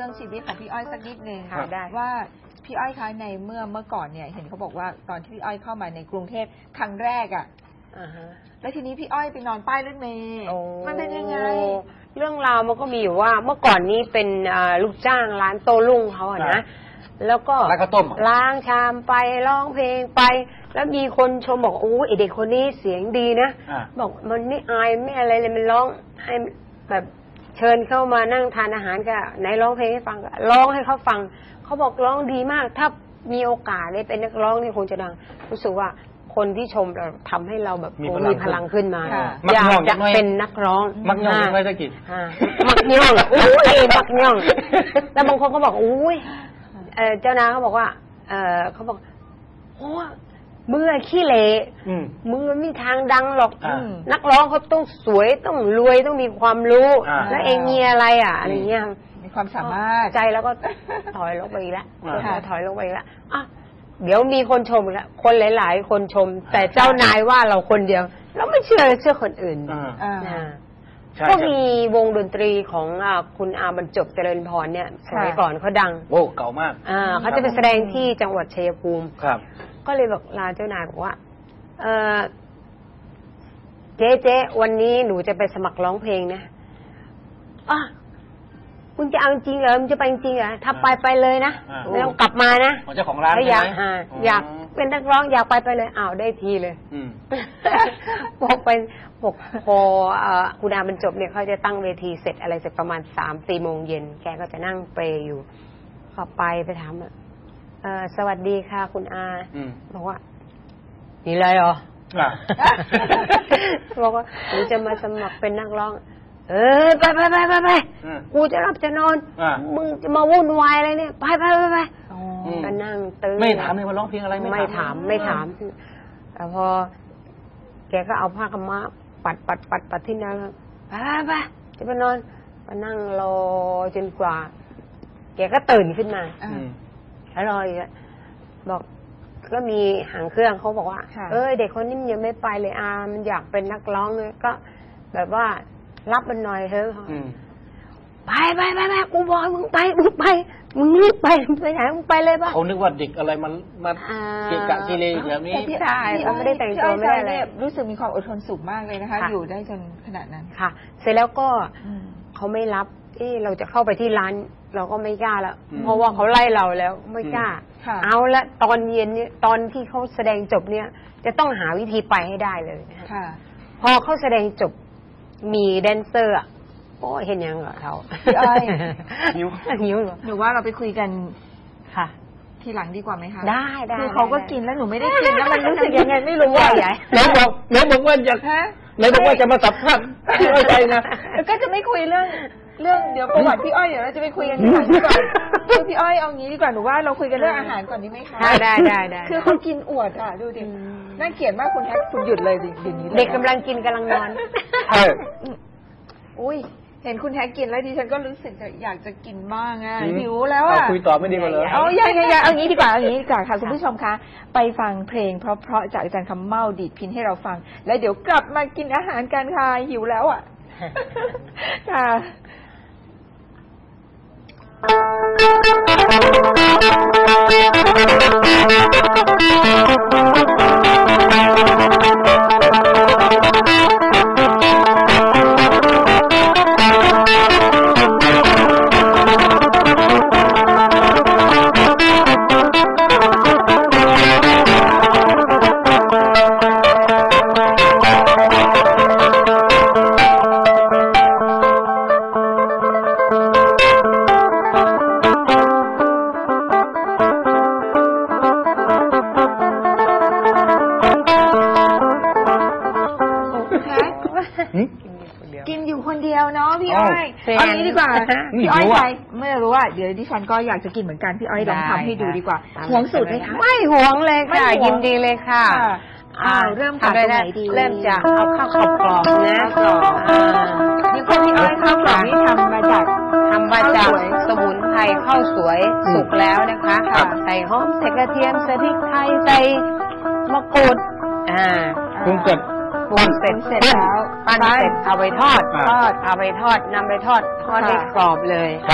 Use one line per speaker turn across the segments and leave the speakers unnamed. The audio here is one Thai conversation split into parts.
รื่องชีวิตของพี่อ้อยสักนิดนึง
ได้
ว่าพี่อ้อยคะในเมื่อก่อนเนี่ยเห็นเขาบอกว่าตอนที่พี่อ้อยเข้ามาในกรุงเทพครั้งแรกอ่ะแล้วทีนี้พี่อ้อยไปนอนป้ายรถเมล์มันเป็นยังไง
เรื่องราวมันก็มีอยู่ว่าเมื่อก่อนนี้เป็นลูกจ้างร้านโต้รุ่งเขาอะนะแล้วก็
ร้านข้าวต้ม
ล้างชามไปร้องเพลงไปแล้วมีคนชมบอกโอ้ไอเด็กคนนี้เสียงดีนะบอกมันไม่อายไม่อะไรเลยมันร้องให้แบบเชิญเข้ามานั่งทานอาหารก็ไหนร้องเพลงให้ฟังก็ร้องให้เขาฟังเขาบอกร้องดีมากถ้ามีโอกาสได้เป็นนักร้องนี่คงจะดังรู้สึกว่าคนที่ชมเราทำให้เราแบบมีพลังขึ้นมาอยากจะเป็นนักร้อง
มักย่องไม่ได้กิน
มักย่องโอ้ยมักย่องแล้วบางคนก็บอกอุ้ยเจ้านายเขาบอกว่าเขาบอกโอ้มือขี้เละมือไม่มีทางดังหรอกนักร้องเขาต้องสวยต้องรวยต้องมีความรู้แล้วเองมีอะไรอะไรเงี้ย
มีความสามารถ
ใจแล้วก็ถอยลงไปอีกแล้วถอยลงไปอีกแล้วเดี๋ยวมีคนชมแล้วคนหลายๆคนชมแต่เจ้านายว่าเราคนเดียวเราไม่เชื่อคนอื่นก็มีวงดนตรีของคุณอาบรรจบเจริญพรเนี่ยสมัยก่อนเขาดัง
โอ้เก่ามาก
เขาจะไปแสดงที่จังหวัดชัยภูมิ
ครับ
ก็เลยบอกลาเจ้านายบอกว่าเจ๊วันนี้หนูจะไปสมัครร้องเพลงนะมึงจะเอาจริงเหรอมึงจะไปจริงเหรอถ้าไปเลยนะไม่ต้องกลับมานะ
เจ้าของร้าน
อยากเป็นนักร้องอยากไปเลยได้ทีเลยบอกไปบอกพอคุณอาบรรจบเนี่ยเขาจะตั้งเวทีเสร็จอะไรเสร็จประมาณ 3-4 โมงเย็นแกก็จะนั่งเปรย์อยู่พอไปถามสวัสดีค่ะคุณอาบอกว่านี่เลยเหรอบอกว่าหนูจะมาสมัครเป็นนักร้องไปกูจะรับจะนอนมึงจะมาวุ่นวายอะไรเนี่ยไปก็นั่งตื่น
ไม่ถามเลยว่าร้องเพลงอะไร
ไม่ถามแต่พอแกก็เอาผ้าขม้าปัดที่นั่งไปจะไปนอนก็นั่งรอจนกว่าแกก็ตื่นขึ้นมาแล้วรออีกบอกก็มีหางเครื่องเขาบอกว่าเด็กคนนี้มันยังไม่ไปเลยมันอยากเป็นนักร้องเลยก็แบบว่ารับมันหน่อยเถอะไปกูบอกมึงไปมึงรีบไปไหนมึงไปเลยป่ะ
เขานึกว่าเด็กอะไรมาเกะกะเกเรแบบนี้
พี่ชายเขาไม่ได้แต่งตัวไม่ได้อะไรรู้สึกมีความอดทนสูงมากเลยนะคะอยู่ได้จนขนาดนั้น
ค่ะเสร็จแล้วก็เขาไม่รับเราจะเข้าไปที่ร้านเราก็ไม่กล้าแล้วเพราะว่าเขาไล่เราแล้วไม่กล้าเอาละตอนเย็นเนี่ยตอนที่เขาแสดงจบเนี่ยจะต้องหาวิธีไปให้ได้เลยพอเขาแสดงจบมีแดนเซอร์โอ้เห็นยังเหรอเขา
พี่อ้อย
หิวเหรอ
หนูว่าเราไปคุยกัน
ค่ะ
ทีหลังดีกว่าไหมคะ
ได้
คือเขาก็กินแล้วหนูไม่ได้กินแล้วมันรู้สึกยังไงไม่รู้ว่าใหญ่
ไหนบอกว่าอยากไหนบอกว่าจะมาสัมภาษณ์พี่อ้อยใจนะ
ก็จะไม่คุยเรื่องเดี๋ยวประวัติพี่อ้อยเดี๋ยวเราจะไปคุยกันดีกว่าคือพี่อ้อยเอางี้ดีกว่าหนูว่าเราคุยกันเรื่องอาหารก่อนดีไหมคะ
ได้
คือเขากินอวดดูดิน่าเกลียดมากคุณแท็กคุณหยุดเลยดิอย่างนี้
เด็กกำลังกินกำลังนอน
อุ้ยเห็นคุณแท็กกินแล้วดิฉันก็รู้สึกอยากจะกินบ้างหิวแล้ว
คุยต่อไม่ดีกว่าเลย
อย่าเอางี้ดีกว่าค่ะคุณผู้ชมคะไปฟังเพลงเพราะจากอาจารย์คำเมาดีดพินให้เราฟังแล้วเดี๋ยวกลับมากินอาหารกันค่ะหิวแล้วค่ะกินอยู่คนเดียวเนาะพี่อ้อยเอางี้ดีกว่าพี่อ้อยใจไม่รู้ว่าเดี๋ยวดิฉันก็อยากจะกินเหมือนกันพี่อ้อยลองทำให้ดูดีกว่าหวงสูตรไหมคะ
ไม่หวงเลยค่ะยินดีเลยค่ะ
เริ่มจากตรงไหนดี
เริ่มจากเอาข้าวกรอบนะ
นี่พวกพี่อ้อยข้าวกรอบนี่ทำมาจาก
สมุนไพรข้าวสวยสุกแล้วนะคะใส่หอมใส่กระเทียมใส่พริกไทยใส่มะกรูด
ปรุงเสร็จ
แล้วปั้นเสร็จเอาไปทอดนำไปทอดให้กรอบเลย
ครับ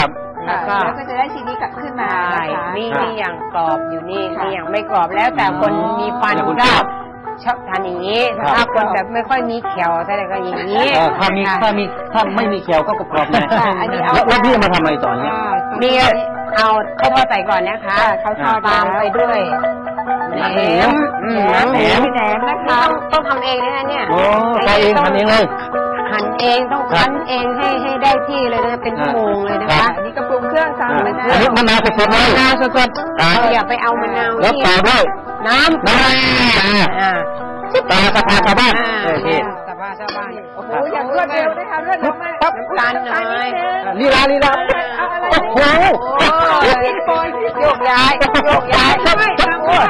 แล้วก็
แล้วก็จะได้ทีนี้กลับขึ้นมา
ใช่
นะคะ
นี่อย่างกรอบอยู่นี่
ค่ะ
นี่อย่างไม่กรอบแล้วแต่คนมีฟันก็ชอบทานอย่างนี้
ครับ
ถ้าคนแบบไม่ค่อยมีเขียวอะไรก็อย่างนี้
ถ้าไม่มีเขียวก็กรอบๆเลย
ค่ะอันนี้เอา
แล้วพี่มาทำอะไรต่อเนี่ย
มีเอาข้าวทอดใส่ก่อนนะคะ
ข้าวทอด
ตามไปด้วยแหนม
แหนม
แหนมนะคะ
ต้องทำเองนะเนี่ย
โอ้ใส่เองทำเองเลย
หั่นเองต้องคั้นเองให้ได้ที่เลยนะเป็นชั่วโมงเลยนะ
ครั
คะ
บ
อันนี้ก็ปรุงเครื่องตามไปนะ
อันนี้มะนาวสดๆเลย
มะนาวสด
อ่า
เราอย่าไปเอามะนาว
แล้ว
ที่
ต่อด้วย
น้ำ
น้ำ
อ่า
ตาสะพานชาวบ้าน
อ่า
โอเค
สบายสบาย
โอ้โหอย่างรวดเร็วนะคะรวดเร็วมาก
ปั๊บ
น้ำตาลหน่อย
ลีลา
เอาอะไร
โอ้โห
โยกย้ายโยกย้าย
ไม่ทำด้วย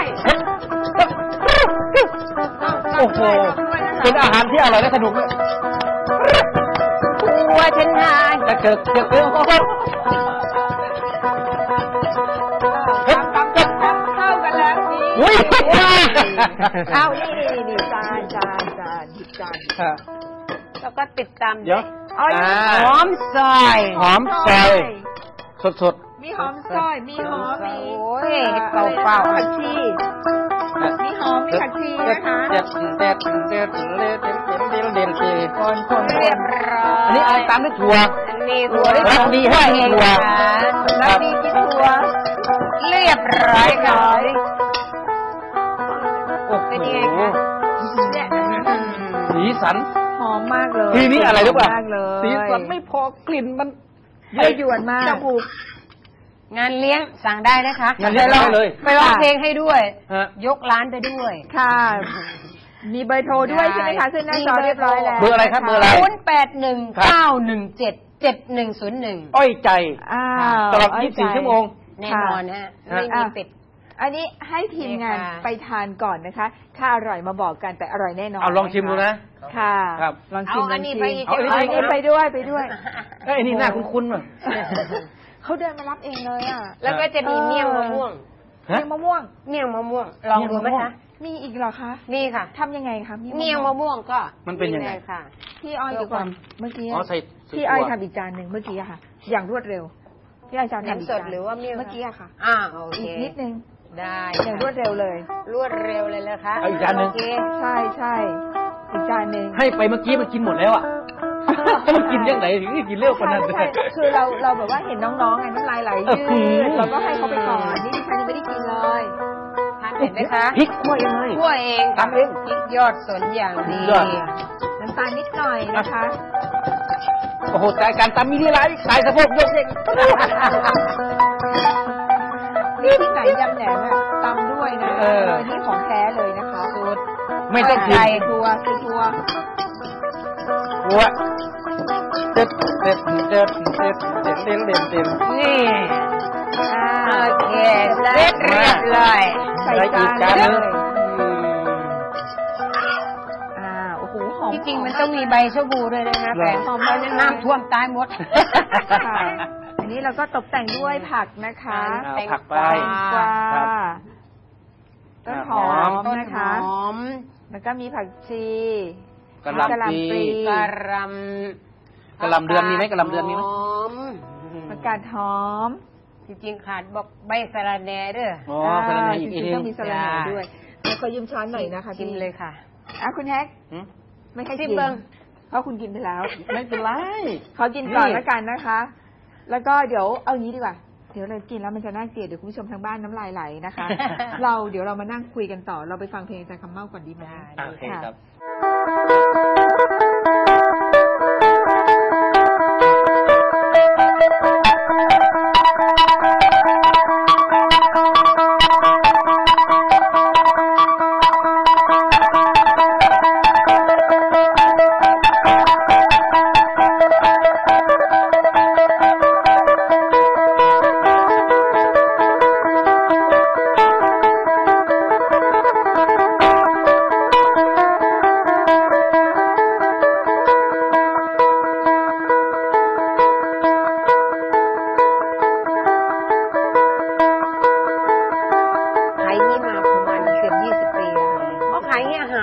โอ้โหเป็นอาหารที่อร่อยและสนุกเลย
หัวฉันหาย
ถ้าเกิดโอ้โห
ทำเข้ากันแล้วนี่
อุ้ย
เข้านี่จานหยิบจาน
แล้วก็ติดตาม
เดี๋ยว
อ๋อ
หอมซอย
หอมซอยสด
มีหอมซอยมีหอมมี
โอ้ยเปล่า
ผักชีมีหอมมีผักชีนะคะ
เด็ด
คน
เรียบร้อย
อันนี้อะไรตามด้วยถั่ว
อันนี้ถั่ว
รักดีให้ถั่ว
แล้วมีกินถั่ว
เรียบร้อยค่ะ
โอ้โห
เป็นยังไงคะ
เนี่ย
สีสัน
หอมมากเลย
ทีนี้อะไรรู้ป่ะ
มากเลย
สีสันไม่พอกลิ่นมัน
ยวนมาก
จมูก
งานเลี้ยงสั่งได้นะคะ
งานเลี้ยงได้เลย
ไปร้องเพลงให้ด้วย
ฮะ
ยกร้านไปด้วย
ค่ะ มีเบอร์โทรด้วยใช่ไหมคะขึ้นหน้าจอเรียบร้อยแล้ว
เบอร์อะไรครับเบอร์อะไร
0819177101
อ้อยใจ
อ้าว
ตลอด24 ชั่วโมง
แน่นอนนะฮะไม่มีปิด
อันนี้ให้ทีมงาน
นี่ค่ะ
ไปทานก่อนนะคะ ถ้าอร่อยมาบอกกันแต่อร่อยแน่นอน
เอาลองชิมดูนะ
ค่ะ
ครับ
ลองชิม
เอาอันนี้
ลง
ไป
ชิม
อีก
เอาอัน
เอาอันนี้
นี้ไปด้วยไปด้วย
เอ้ยอันนี้หน้าคุ้นๆว่ะ
เขาเดินมารับเองเลยอ่ะ
แล้วก็จะมีเมี่ยงมะม่วง
เมี่ยงมะม่วง
เมี่ยงมะม่วง ลองดูไหมคะ
มีอีกเหรอคะ
นี่ค่ะ
ทำยังไงคะ
เมี่ยงมะม่วงก็
มันเป็นยังไง
ลค่ะ
พี่อ้อยเดี๋ยวก่อนเมื่อกี้
อ๋อใส่
พี่อ้อยทำอีกจานหนึ่งเมื่อกี้อะค่ะ อย่างรวดเร็วพี่อ้อยจาน
แหนมสดหรือว่าเมี่ยง
เมื่อกี้อะค่ะ
โอเค
อีกนิดนึง
ได้
อย่างรวดเร็วเลย
รวดเร็วเลยนะคะ
เอาอีกจานหนึ่ง
โอเค
ใช่ใช่อีกจานหนึ่ง
ให้ไปเมื่อกี้มันกินหมดแล้วอ่ะ มันกินยังไงถึงได้กินเร็วขนาดนั้น
ใช่คือเราแบบว่าเห็นน้องๆไงน้ำลายไหลยืดเราก็ให้เขาไปก่อนนี่ดิฉันยังไม่ได้กินเลย
ทานเห็นไหมคะ
พริกคั่วยังไง
คั่วเอง
ทำเอง
พริกยอดสนอย่างดี
ยอด
น้ำตาลนิดหน่อยนะคะ
โอ้โหแต่การตำมีนี่ไรสายสะโพกยกเด็ก
นี่ที่ไหนยำแหนมอะตำด้วยนะนี่ของแท้เลยนะคะสูตร
ไม่ต้องกิน
ไก่ทัวคือทัว
หัวเด็ดเด็ดเด็ดเด็ดเด็ดเด็ดเด็ดเด็ด
นี่โอเคเสร็จเรียบร้อย
ใส่
แล้วอี
จาก น
จาน
เล
หนึ่ง
ยโอ้โหหอม
ที่จริงมันต้องมีใบชะบูด้วยนะคะแต่
หอมแล้ว
น้ำท่วมตายหมด
ค่ะอันนี้เราก็ตกแต่งด้วยผักนะคะ
เอาผักไป
กวา
ครับ
ต้นหอม
ต้น
นะคะ
หอม
แล้วก็มีผักชี
กะหล่ำปลี
กระร
กะหล่ำเดือนมีไหมกะหล่ำเดือนมีไหม
หอม
ผักกาดหอม
จริงๆขาดบอกใบสะระแหน่เด้อ
อ๋อพลังงานอีก
จ
ที
ริง
นึ
ๆต้อง งมีสลัดแหน่ด้วยเดี๋ยวขอยืมช้อนหน่อยนะคะ
ชิมเลยค่ะ
คุณแฮก
หืม
ไม่ให้
ชิ
กิ
ม
น
เบิ่ง
เพราะคุณกินไปแล้ว
ไม่เป็นไร
ขอกินก่อน
นี่
แล้วกันนะคะ แล้วก็เดี๋ยวเอางี้ดีกว่า เดี๋ยวเรากินแล้วมันจะน่าเกลียดเดี๋ยวคุณผู้ชมทางบ้านน้ำลายไหลนะคะ เดี๋ยวเรามานั่งคุยกันต่อ เราไปฟังเพลงอาจารย์คำเมาก่อนดีไหม
โอเคครับ
ค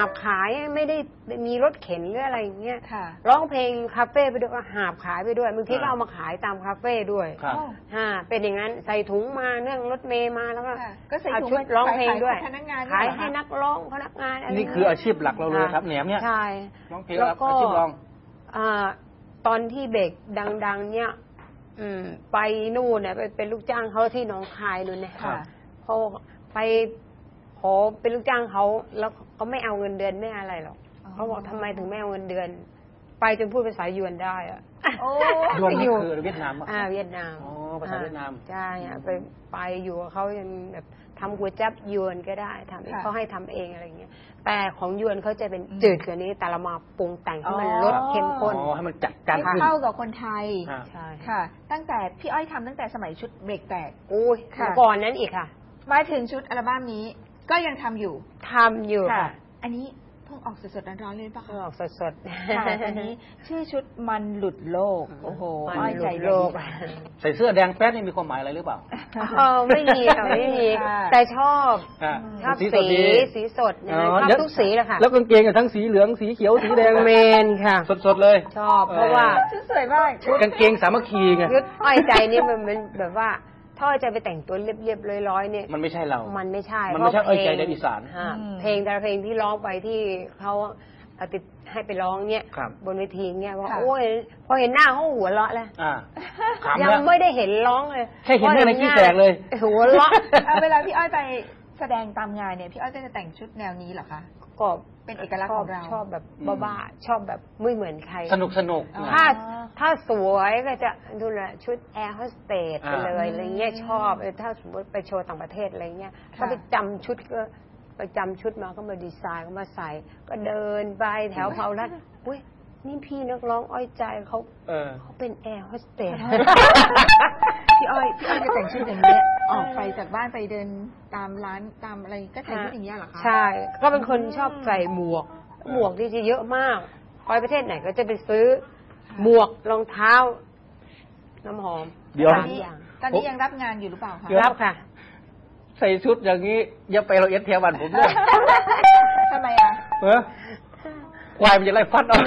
บขายไม่ได้มีรถเข็นหรืออะไรอย่างเงี้ย
ค่ะ
ร้องเพลงคาเฟ่ไปด้วยก็หาบขายไปด้วยบางทีก็เอามาขายตามคาเฟ่ด้วย
ครับ
เป็นอย่างนั้นใส่ถุงมาเนื่องรถเมย์มาแล้วก็
ค่ะก็ใส่
เอา
ถุง
ชุด
มา
ร้องเพลงด้วย
ขายให้พนักงาน
ขาย
เนี่ยเหรอคะ
ให้นักร้องพนักงานอะไร
นี่คืออาชีพหลักเราเลยครับแหนมเนี่ย
ใช่
ร้องเพลง
แล้วก็
อาชีพรอง
ตอนที่เบรกดังๆ เนี่ยไปนู่นเนี่ยไปเป็นลูกจ้างเขาที่หนองคายนู่นเนี่ย
ค่ะ
พอไปขอเป็นลูกจ้างเขาแล้วเขาไม่เอาเงินเดือนไม่อะไรหรอกเขาบอกทำไมถึงไม่เอาเงินเดือน ไปจนพูดภาษายวนได้อะ
โอ้
ยวนนี่คือเวียดนามป่ะ
เวียดนาม
อ๋อภาษาเวียดนาม
ใช่ไปอยู่กับเขายังแบบทำก๋วยจั๊บยวนก็ได้ทำเขาให้ทำเองอะไรเงี้ยแต่ของยวนเขาจะเป็นจืดกว่านี้แต่เรามาปรุงแต่งให้มันลดเข้มข้น
อ๋อให้มันจัดการ
ให้
ขึ้น
เข้ากับคนไทย
ใช่
ค่ะ ตั้งแต่พี่อ้อยทำตั้งแต่สมัยชุดเบรกแตก
อุ้ย
ค่ะ
ก่อนนั้นอีกค่ะ
มาถึงชุดอัลบั้มนี้ก็ยังทำอยู่
ทำอยู่ค่ะ
อันนี้เพิ่งออกสดๆร้อนๆเลยหรือเปล่ะ
เพิ่ง
คะ
ออกสด
ค่ะอันนี้ชื่อชุดมันหลุดโลก โอ้โห
มัน
อ้อย
หลุ
ใจ
ด
เย็น
โลก
ใส่เสื้อแดงแป๊ดนี่มีความหมายอะไรหรือเปล่า
ไม่มีค่ะไม่มี
ค่ะ
แต่ชอบ
อ่ะ
ชอบ
สด
สี
ดี
สีสดนะ
อ๋อ
ชอบ
เดี๋ยว
ทุกสีเลยค่ะ
แล้วกางเกงกับทั้งสีเหลืองสีเขียวสีแดง
เมนค่ะ
สดๆเลย
ชอบเพราะว่า
ชุดสวยมาก
กางเกงสามัคคีไง
ยุดอ้อยใจนี่มันเป็นแบบว่าถ้าจะไปแต่งตัวเรียบๆร้อยๆเนี่ย
มันไม่ใช่เรา
มันไม่ใช่
มันไม่ใช่
เพราะ
อ้อยใจแดนอีสาน
เพลงแต่ละเพลงที่ร้องไปที่เขาเอาติดให้ไปร้องเนี่ย
ครับ
บนเวทีเนี่ยว่า
ค่ะ
โอ้ยพอเห็นหน้าเขาหัวเราะเลย
ขำ
ยั
แล้ว
ไม่ได้เห็นร้องเลย
แค่เห็นหน้าในขี้แตกเลย
หัวเราะ
เอาเวลาพี่อ้อยไปแสดงตามงานเนี่ยพี่อ้อยก็จะแต่งชุดแนวนี้เหรอคะ
ก็
เป็นเอกลักษณ์ของเรา
ชอบแบบบ้าๆชอบแบบไม่เหมือนใคร
สนุกสนุก
อ๋อ
ถ้าสวยก็จะดูแลชุดแอร์โฮสเตสไปเลย
อ่า
อะไรเงี้ยชอบถ้าสมมติไปโชว์ต่างประเทศอะไรเงี้ย
ค่ะ
ก็ไปจำชุดก็ไปจำชุดมาก็มาดีไซน์ก็มาใส่ ก็เดินไปแถวเผารัดอุ้ยนี่พี่นักร้องอ้อยใจเขาเป็นแอร์โฮสเตส
พี่อ้อยจะแต่งชุดอย่างนี้ยออกไปจากบ้านไปเดินตามร้านตามอะไรก็แต่งชุดอย่างนี้ยเหรอคะ
ใช่ ก็เป็นคนชอบใส่หมวก หมวกที่จะเยอะมากไปประเทศไหนก็จะไปซื้อหมวกรองเท้า น้ำหอม
เดี๋ยว
สามอย่าง
ตอนนี้ยังรับงานอยู่หรือเปล่าคะ
รับค่ะ
ใส่ชุดอย่างนี้อย่าไปเราเอสเทียวันผมด้วย
ทำไมอ่ะ
ควายมันจะไล่ฟัดเอา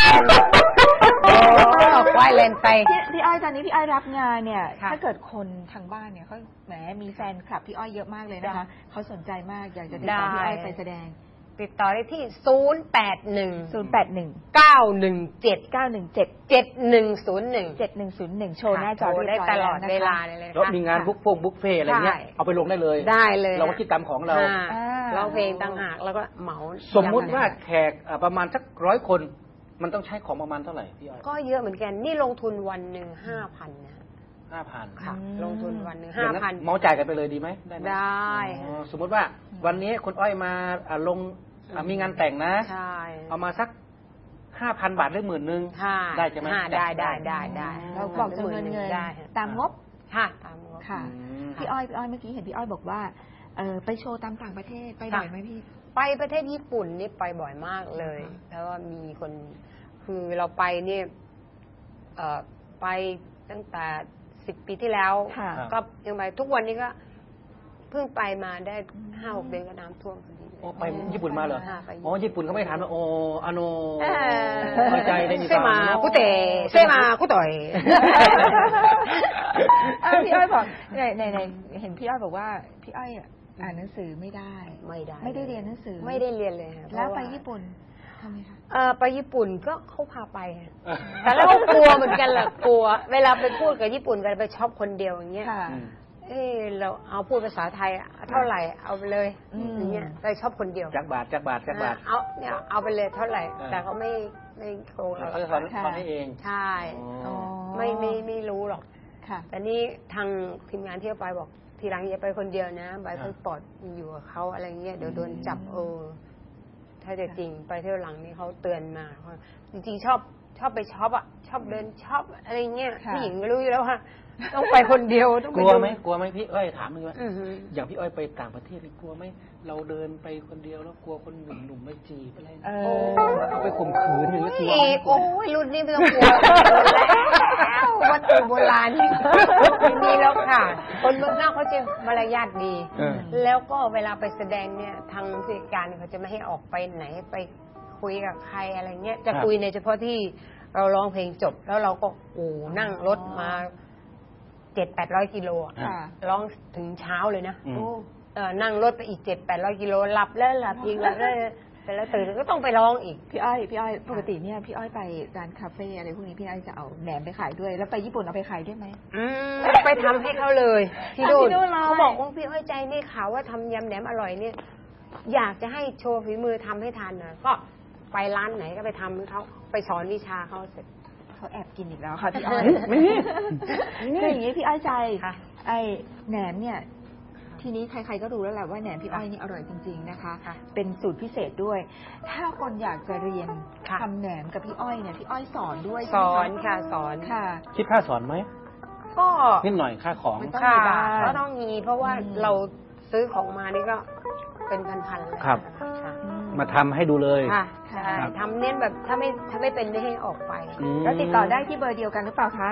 ควายเลนไป
พี่อ้อยตอนนี้พี่อ้อยรับงานเนี่ย
ค่ะ
ถ้าเกิดคนทางบ้านเนี่ยเขาแหมมีแฟนคลับพี่อ้อยเยอะมากเลยนะคะเขาสนใจมากอยากจะติดต่อพี่อ้อยไปแสดง
ติดต่อได้ที่
081
081
917
917
7101 โชว์หน้าจอ
โทร
เรียบร้อย
ได้ตลอด
นะคะ
เวลาเลยนะ
แล้ว
คะ
มีงานบุฟเฟ่อะไรเงี้ย
ใช่
เอาไปลงได้เลย
ได้เลย
เราก็คิดตามของเรา
ร้องเพลงต่างหากแล้วก็เหมา
สมมุติว่าแขกประมาณสัก100 คน มันต้องใช้ของประมาณเท่าไหร่พี่อ้อย
ก็เยอะเหมือนกัน นี่ลงทุนวันหนึ่ง5,000นะ
5,000
ค่ะ ลงทุนวันหนึ่ง
อย่างนั้น
5,000
เมาจ่ายกันไปเลยดีไหมได้ไหม
ได้
อ๋อสมมุติว่าวันนี้คุณอ้อยมาลงมีงานแต่งนะ
ใช่
เอามาสัก 5,000 บาทหรือ10,000
ค่ะ
ได้ใช่ไหม
ได้
เราบอกจำนวนเงิน
ได้
ตามงบ
ค่ะตามงบ
ค่ะ พี่อ้อยเมื่อกี้เห็นพี่อ้อยบอกว่าไปโชว์ตามต่างประเทศไปบ่อยไหมพี่
ไปประเทศญี่ปุ่นนี่ไปบ่อยมากเลยเพราะว่ามีคนคือเราไปนี่ไปตั้งแต่10 ปีที่แล้ว
ค่ะ
ก็ยังไปทุกวันนี้ก็เพิ่งไปมาได้5-6 เดือนก็น้ำท่วมพอดีเลย
อ๋อไปญี่ปุ่นมาเหรอ
ค่ะไป
อ๋อญี่ปุ่นเขาไม่ถามว่าโออาโน
เออ
เข้าใจได้ดี
เซมาคุเตะเซมาคุต่อย
พี่อ้อยบอกในเห็นพี่อ้อยบอกว่าพี่อ้อยอ่านหนังสือไม่ได้ ไม่ได้เรียนหนังสือ
ไม่ได้เรียนเลยค่ะ
แล้วไป
เพราะา
ญี่ปุ่นทำไมคะ
ไปญี่ปุ่นก็เขาพาไปค่ะแต่แล้วก็กลัวเหมือนกันแหละกลัว เวลาไปพูดกับญี่ปุ่นกันไปช็อปคนเดียวอย่างเงี้ย
ค่ะ
เราเอาพูดภาษาไทยเท่าไหร่เอาไปเลยอย่างเงี้ยไปช็อปคนเดียว
จักบาท
เอาเนี่ยเอาไปเลยเท่าไหร่ แต่เขาไม่โกง
เขาจะสอนให้เอง
ใช่
อ๋อ
ไม่รู้หรอก
ค่ะ
แต่นี่ทางทีมงานที่ไปบอกทีหลังอย่าไปคนเดียวนะใบพาสปอร์ตอยู่กับเขาอะไรเงี้ยเดี๋ยวโดนจับถ้าจะจริงไปเที่ยวหลังนี่เขาเตือนมาจริงๆชอบชอบไปช็อปอะชอบเดินช็อปอะไรเงี้ย
ค่ะ
ผู้หญิงก็รู้อยู่แล้วว่าต้องไปคนเดียวต้อง
ก
ไป
ลัว
ดู
ไหมกลัวไหมพี่อ้อยถามมึงว่า
อือหือ
อย่างพี่อ้อยไปต่างประเทศนี่กลัวไหมเราเดินไปคนเดียวแล้วกลัวคนหนุ่มๆมาจีบอะไรนะ เอาไปข่มขืนอย่างนี้กลัว
อีกโอ้ยรุ่นนี้ไม่ต้องกลัวแล้ววัตถุโบราณนี่ไม่มีแล้วค่ะ คนเมืองนอกเขาจะมารยาทดี แล้วก็เวลาไปแสดงเนี่ยทางผู้จัดการเขาจะไม่ให้ออกไปไหนไปคุยกับใครอะไรเงี้ยจะคุยในเฉพาะที่เราร้องเพลงจบ แล้วเราก็นั่งรถมา700-800 กิโลอะ
ค่ะ
ร้องถึงเช้าเลยนะ
อืม
นั่งรถไปอีก700-800 กิโลหลับแล้วหลับอีกหลับแล้วแต่แล้วตื่นก็ต้องไปร้องอีก
พี่อ้อยปกติเนี่ยพี่อ้อยไปร้านคาเฟ่อะไรพวกนี้พี่อ้อยจะเอาแหนมไปขายด้วย แล้วไปญี่ปุ่นเอาไปขายด้วยไหม
ไปทำให้เขาเลยที่นู่น
ที่นู่นเลย
เขาบอกว่าพี่อ้อยใจนี่ข่าวว่าทำยำแหนมอร่อยเนี่ย อยากจะให้โชว์ฝีมือทำให้ทานหน่อยก็ไปร้านไหนก็ไปทำให้เขาไปสอนวิชาเขาเสร็จ
เขาแอบกินอีกแล้วค่ะพี่อ้อย
ไม่มี
คืออย่างนี้พี่อ้อยใจ
ค่ะ
ไอ้แหนมเนี่ยทีนี้ใครๆก็รู้แล้วแหละว่าแหนมพี่อ้อยนี่อร่อยจริงๆนะคะ
ค่ะ
เป็นสูตรพิเศษด้วย ถ้าคนอยากจะเรียน
ค่ะ
ทำแหนมกับพี่อ้อยเนี่ยพี่อ้อยสอนด้วย
ส
ใช่ไหม
อนค่ะสอน
ค่ะ
คิดค่าสอนไหม
ก็
นิดหน่อยค่าของ
ไม่ต้อง
ค่ะ
มีบ้าง
ก็ต้องมีเพราะว่า
อืม
เราซื้อของมานี่ก็เป็นพันๆเลย
ครับ
ค่ะ
มาทำให้ดูเลย
ค่ะ
ค่ะ
ใช่ทำเน้นแบบถ้าไม่เป็นไม่ให้ออกไป
อืม
แล้วติดต่อได้ที่เบอร์เดียวกันหรือเปล่าคะ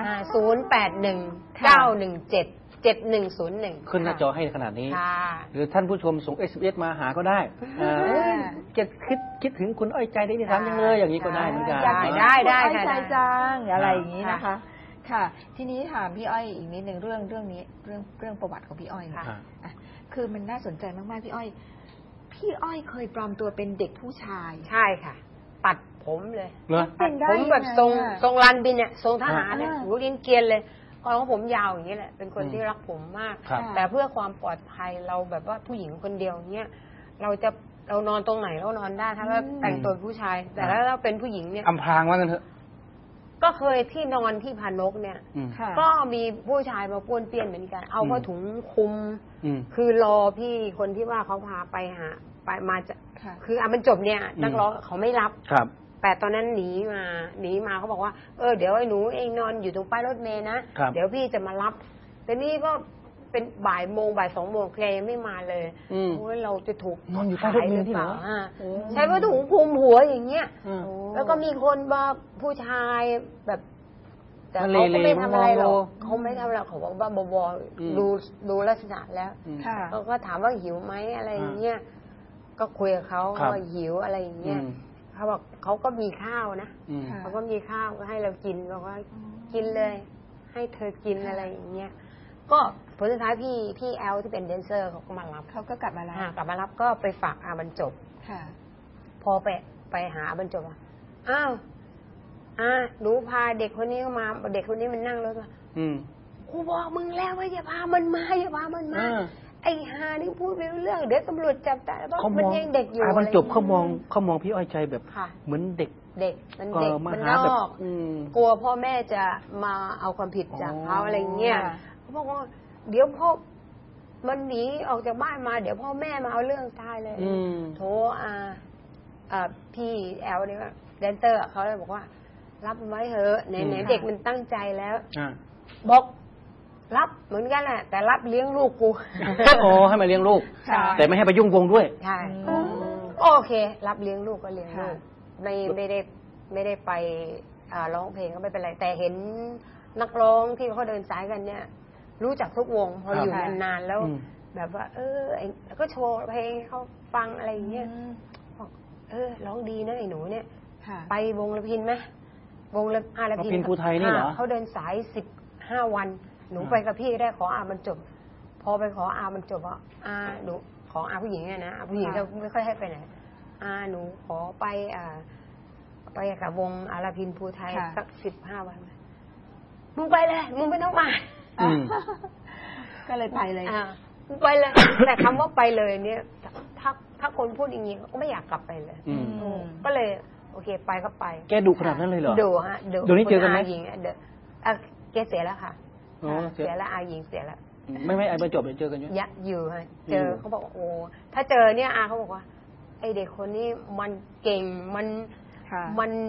081-917-7101
ขึ้นหน้าจอให้ขนาดนี้
ค่ะ
หรือท่านผู้ชมส่ง SMS มาหาก็ได้จะคิดถึงคุณอ้อยใจได้ที่ทำยังเลยอย่างนี้ก็ได้เหมือนกัน
อยาก
ได้
ได้
ค่ะ
ใจจังอะไรอย่างนี้
ค่ะ
นะคะ ค่ะ ทีนี้ถามพี่อ้อยอีกนิดหนึ่งเรื่องนี้เรื่องประวัติของพี่อ้อยเนี่ย
ค่ะ
อ่ะคือมันน่าสนใจมากๆพี่อ้อย พี่อ้อยเคยปลอมตัวเป็นเด็กผู้ชาย
ใช่ค่ะ ตัดผมเลย
เหรอ
เป็นได้
ผมแบบ
ยังไง
ทรง
อะ
ทรงรันบินเนี่ยทรงทหารเนี่ย
อ่า
หูเกรียนๆเลยก่อนของผมยาวอย่างนี้แหละ เป็นคนที่รักผมมาก
ครับ
แต่เพื่อความปลอดภัยเราแบบว่าผู้หญิงคนเดียวเนี่ยเรานอนตรงไหนเรานอนได้ถ้าเราแต่งตัวเป็นผู้ชาย แต่ถ้าเราเป็นผู้หญิงเนี่ย
อำพรางว่ากันเถอะ
ก็เคยที่นอนที่พานกเนี่ย
อืม
ค่ะ
ก็มีผู้ชายมาป้วนเปี้ยนเหมือนกัน เอาผ้าถุงคลุม
อืม
คือรอพี่คนที่ว่าเขาพาไปหาไปมาจะ
ค่ะ
คือมันจบเนี่ยนักร้องเขาไม่รับ
ครับ
แต่ตอนนั้นหนีมาเขาบอกว่าเดี๋ยวไอ้หนูเองนอนอยู่ตรงป้ายรถเมล์นะครับ เดี๋ยวพี่จะมารับแต่นี่ก็เป็นบ่ายสองโมงแกยังไม่มาเลย
อืม
โอ้ยเราจะถูก
นอนอยู่ป้ายรถเมล์ที่เหรอ
ขายรือเปล่าใช้ผ้าถุงคลุมหัวอย่างเงี้ย
อืม
โอ้
แล้วก็มีคนมาผู้ชายแบบ แต่
มัน
เขาก็ไม่
เลๆ
ทำอะไรหรอก
มอง
เขาไม่ทำอะไรเขาบอกว่าบอ
อืม
ดูลักษณะแล้ว
อืม
ค่ะ
เขาก็ถามว่าหิวไหมอะไรอย่างเงี้ยก็คุยกับเขา
ครับ
ว่าหิวอะไรอย่างเงี้ย
อืม
เขาบอกเขาก็มีข้าวนะ
อืม
ค่ะ
เขาก็มีข้าวก็ให้เรากินบอกว่ากินเลย ให้เธอกินอะไรอย่างเงี้ยก็ผลสุดท้ายพี่แอลที่เป็นแดนเซอร์เขาก็มารับ
เขาก็กลับมาแล้ว
กลับมารับก็ไปฝากอาบรรจบ
ค่ะ
พอไปหาอาบรรจบอ้าวหนูพาเด็กคนนี้มาเด็กคนนี้มันนั่งรถมา
อืม
กูบอกมึงแล้วว่าอย่าพามันมาอย่าพามันมา
อ่า
ไอ้ฮานี่พูดไม่รู้เรื่องเดี๋ยวตำรวจจับได้เพราะ
เขาม
มัน
อง
ยังเด็กอยู่
บรรจบ
อะไร
เขามองพี่อ้อยใจแบบ
ค่ะ
เหมือนเด็ก
เด็กมันเด็ก
มา
มัน
หาน แบบ
อก
อืม
กลัวพ่อแม่จะมาเอาความผิดจากเขา
อ๋ออ
อะไรเงี้ย
ค่ะ
เขาบอกว่าเดี๋ยวพ่อมันหนีออกจากบ้านมา เดี๋ยวพ่อแม่มาเอาเรื่องตายเลย
อืม
โทรพี่แอลเนี่ยแดนเซอร์เขาเลยบอกว่า รับมันไว้เถอะไหนๆเด็กมันตั้งใจแล้ว
อ่า
บอกรับเหมือนกันแหละแต่รับเลี้ยงลูกกู
โอ้ให้มาเลี้ยงลูก
ใช่
แต่ไม่ให้ไปยุ่งวงด้วย
ใช่
อืม
โอเค รับเลี้ยงลูกก็เลี้ยงลูก
ค่ะ
ไม่ได้ไปร้องเพลงก็ไม่เป็นไร แต่เห็นนักร้องที่เขาเดินสายกันเนี่ย รู้จักทุกวงพออยู่
ค่ะ
นานๆแล้ว
อืม
แบบว่า แล้วก็โชว์เพลงให้เขาฟังอะไรอย่างเงี้ย
อืม
บอกร้องดีนะไอ้หนูเนี่ย
ค่ะ
ไปวงละพินไหมวงละอาละพิน
พินภูไทยนี่เหรอ
เขาเดินสาย15 วัน หนูไปกับพี่ได้ขออาบรรจบ พอไปขออาบรรจบอ่ะหนูขออาผู้หญิงเนี่ยนะอาผู้หญิง
ค่ะ
จะไม่ค่อยให้ไปไหนหนูขอไปไปกับวงอาราพินภูไทย
ค่ะ
สัก15 วันมึงไปเลยมึงไม่ต้องมา
อืม
ก็เลยไปเลย
มึงไปเลย แต่คำว่าไปเลยเนี่ยถ้าคนพูดอย่างนี้ก็ไม่อยากกลับไปเลย
อืม
ก็เลย โอเคไปก็ไป
แกดุขนาดนั้นเลยเหรอ
ดูฮะ
เดี๋ยวนี้เจอกันไหม
คุณาหญิงแกเสียแล้วค่ะ
อ๋อ
เสียแล้วอาหญิงเสียแล้ว
ไม่ไอ้บรรจบเจอกันอยู่
อยู่ฮะ
อยู่
เจอเขาบอกว่าโอ้ถ้าเจอเนี่ยเขาบอกว่า ไอเด็กคนนี้มันเก่งมัน
ค่ะ
มัน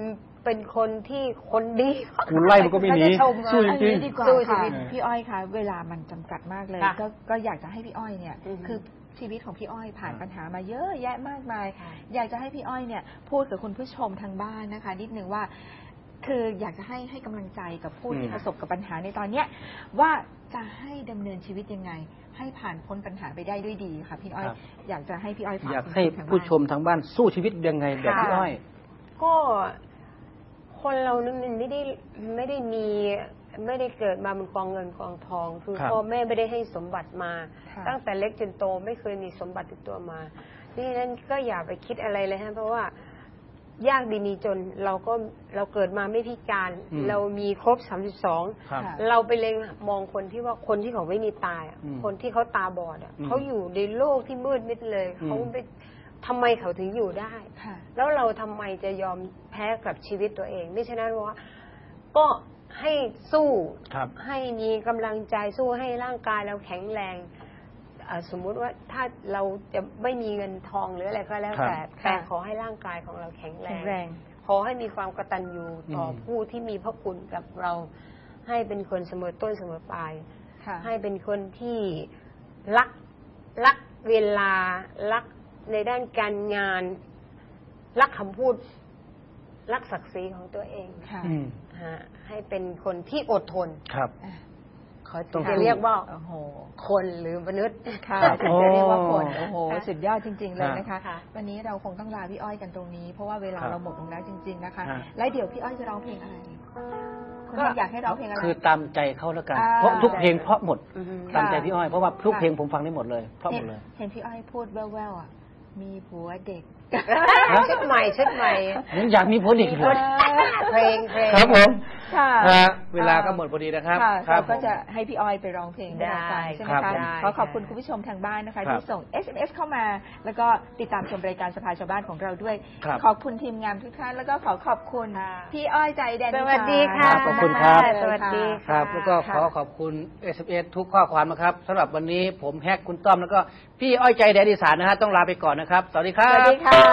เป็นคนที่คนดี
คุณไล่มันก็ไม่หนีสู้จริง
ดีกว่า
สู้ชี
ค่ะ
วิต
พี่อ้อยคะเวลามันจำกัดมากเลย
ค่ะ
ก็อยากจะให้พี่อ้อยเนี่ย
อือฮึ
คือชีวิตของพี่อ้อยผ่านปัญหามาเยอะแยะมากมาย
ค่ะ
อยากจะให้พี่อ้อยเนี่ยพูดกับคุณผู้ชมทางบ้านนะคะ นิดนึงว่า คืออยากจะให้กำลังใจกับผู้ที่ประสบกับปัญหาในตอนเนี้ยว่าจะให้ดำเนินชีวิตยังไง ให้ผ่านพ้นปัญหาไปได้ด้วยดีค่ะพี่อ้อย
ครับ
อยากจะให้พี่อ้อยฝาก
อยากให้
ทางบ้าน
ผู้ชมทางบ้านสู้ชีวิตยังไงแบบพี่อ้อย
ก็คนเรานั้นมันไม่ได้มีไม่ได้เกิดมาเป็นกองเงินกองทอง คือ
ครับ
พ่อแม่ไม่ได้ให้สมบัติมา
ค่ะ
ตั้งแต่เล็กจนโตไม่เคยมีสมบัติติดตัวมานี่นั้นก็อย่าไปคิดอะไรเลยฮะเพราะว่ายากดีมีจนเราเกิดมาไม่พิการ เรามีครบ 32
ครับ
เราไปเล็งมองคนที่ว่าคนที่เขาไม่มีตาอะ
อืม
คนที่เขาตาบอดอะ
อืม
เขาอยู่ในโลกที่มืดมิดเลย
อืม
เขาไปทำไมเขาถึงอยู่ได้
ค่ะ
แล้วเราทำไมจะยอมแพ้กับชีวิตตัวเองไม่ฉะนั้นว่าก็ให้สู้
ครับ
ให้มีกำลังใจสู้ให้ร่างกายเราแข็งแรงสมมุติว่าถ้าเราจะไม่มีเงินทองหรืออะไรก็แล้ว
ครับ
แต่ขอให้ร่างกายของเราแข็งแร
แข็
ง
งแรง
ขอให้มีความกตัญญูต่ออ
ม
ผู้ที่มีพระคุณกับเรา ให้เป็นคนเสมอต้นเสมอปลาย
ค่ะ
ให้เป็นคนที่รักเวลารักในด้านการงาน รักคำพูด รักศักดิ์ศรีของตัวเอง
ค่ะ
อืม
ฮะให้เป็นคนที่อดทน
ครับ
เขา
ต้อง
จะเรียกว่า
โอ้โห
คนหรือมนุษย์
ค่ะ
ครับ
ถึงจะเรียกว่าคน
โอ้
โอ้โห สุดยอดจริง ๆ เลยนะคะ
ค่ะ
วันนี้เราคงต้องลาพี่อ้อยกันตรงนี้ เพราะว่าเวลา
ครับ
เราหมดลงแล้วจริง ๆ นะคะ
ฮะ
และเดี๋ยวพี่อ้อยจะร้องเพลงอะไรคุณอ้อยอยากให้ร้องเพลงอะไร
คือตามใจเขาแล้วกัน
อ่า
เพราะทุกเพลงเพราะหมด
อือฮึ
ตามใจพี่อ้อย เพราะว่าทุก
ค่ะ
เพลงผมฟังได้หมดเลย เพราะหมดเลย
เห็นพี่อ้อยพูดแว่วๆอ่ะ มีผัวเด็ก
ชุดใหม่
ยังอยากมีผลอีกเหรอ
เพลง
ครับผม
ค่ะ
เวลาก็หมดพอดีนะครับ
ค่ะ
ครั
เรา
บ
ก็
ผม
จะให้พี่อ้อยไปร้องเพลงให้เราฟังใช่ไหม
ครั
คะ
บ
ขอขอบคุณคุณผู้ชมทางบ้านนะคะ
ครับ
ที่ส่ง SMS เข้ามา แล้วก็ติดตามชมรายการสภาชาวบ้านของเราด้วย
ครับ
ขอบคุณทีมงานทุกท่านแล้วก็ขอบคุณ
ค่ะ
พี่อ้อยใจแดน
สวัสดีค่ะ
ขอบคุณครับ
สวัสดี
ค
ค่ะ
รับ แล้วก็ขอขอบคุณ SMS ทุกข้อความนะครับสำหรับวันนี้ผมแฮกคุณต้อมแล้วก็พี่อ้อยใจแดนอีสานนะฮะต้องลาไปก่อนนะครับ สวัสดีครั
ส
บ
วัสดีค่ะ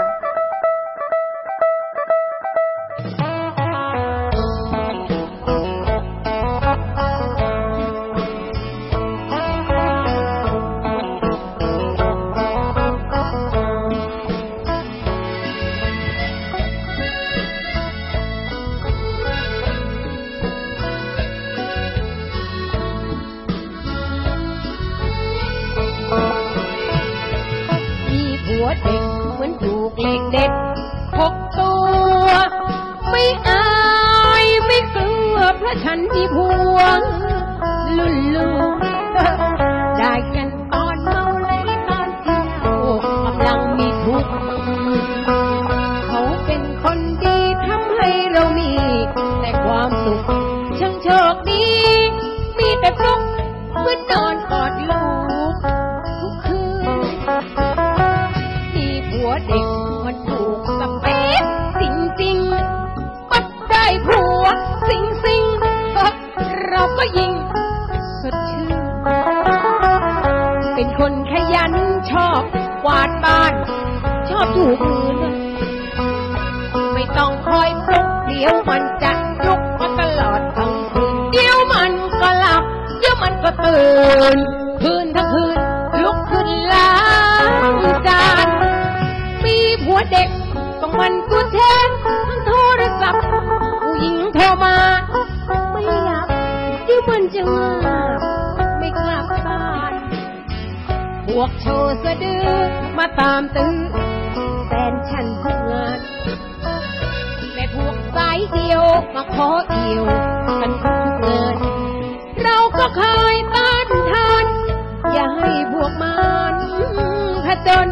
มีผัวเด็กเหมือนถูกเหล็กเด็ดพกตัว ไม่อายไม่กลัวเพราะฉันมีผัวลุ่นลูกได้กันตอนเมาเลยตอนเที่ยวกำลังมีทุกข์เขาเป็นคนดีทำให้เรามีแต่ความสุขช่างโชคดีมีแต่ฟลุกเมื่อนอนกอดลูกทุกคืน มีผัวเด็กมันถูกสเปคจริงๆปัดได้ผัวสิงเราก็ยิงสดชื่นเป็นคนขยันชอบกวาดบ้าน ชอบถูพื้นไม่ต้องคอยปลุกเดี๋ยวมันจะลุกมาตลอดทั้งคืนเดี๋ยวมันก็หลับเดี๋ยวมันก็ตื่นคืนทั้งคืนลุกขึ้นล้างจานมีผัวเด็กต้องมันกูแทนทั้งโทรศัพท์ผู้หญิงโทรมาไม่รับเดี๋ยวมันจะงับไม่กลับบ้านพวกโชว์สะดือมาตามตื้อแฟนฉันทุกงานและพวกสายเดียวมาขอเอี่ยวกันทุกงานเราก็เคยต้านทานอย่าให้พวกมันผจญ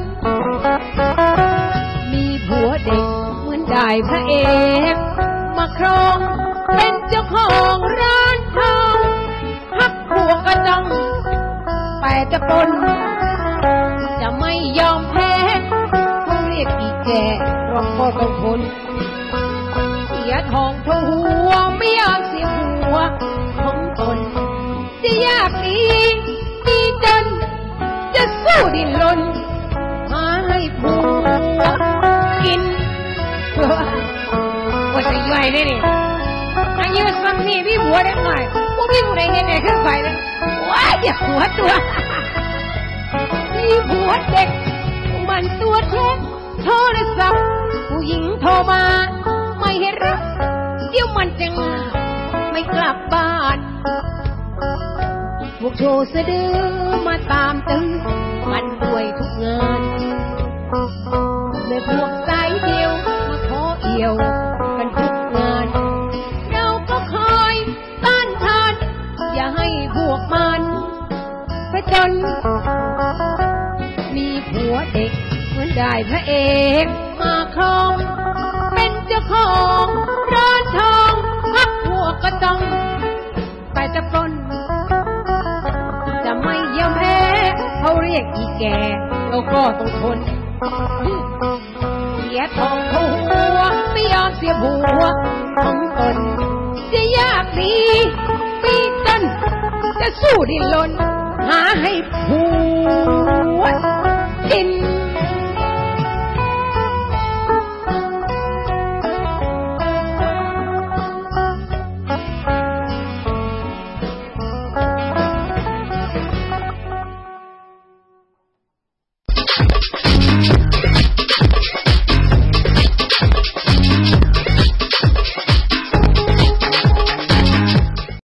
มีผัวเด็กเหมือนได้พระเอกมาครองเป็นเจ้าของร้านทองพักพวกก็ต้องแต่จะปนจะไม่ยอมแพ้เขาเรียกอีแก่เราก็ต้องทนเสียทองเท่าหัวไม่อยากเสียหัวของตนจะยากดีมีจนจะสู้ดิ้นรนหาให้ผัวกินว่าจะนี่นี่อายุสักนี่พี่ผัวได้หน่อยพวกพี่ผู้ใดเห็นไหนขึ้นไปเลยว้ายอย่าหัวตัวพี่ผัวเด็กมันตัวเท็จโทรศัพท์ผู้หญิงโทรมาไม่ให้รับเดี๋ยวมันจะงาไม่กลับบ้านพวกโชว์สะดือมาตามตื้อมันด้วยทุกงานเมื่อพวกสายเดียวมาขอเอี่ยวกันทุกงานเราก็คอยต้านทานอย่าให้พวกมันไปจนมีผัวเด็กเหมือนได้พระเอกมาครองเป็นเจ้าของร้านทองพักพวกก็ต้องไปตะปนจะไม่ยอมแพ้เขาเรียกอีแก่เราก็ต้องทนเสียทองเขาหัวไม่ยอมเสียผัวของตนจะยากดีปีต้นจะสู้ดิ้นรนหาให้ผัวกิน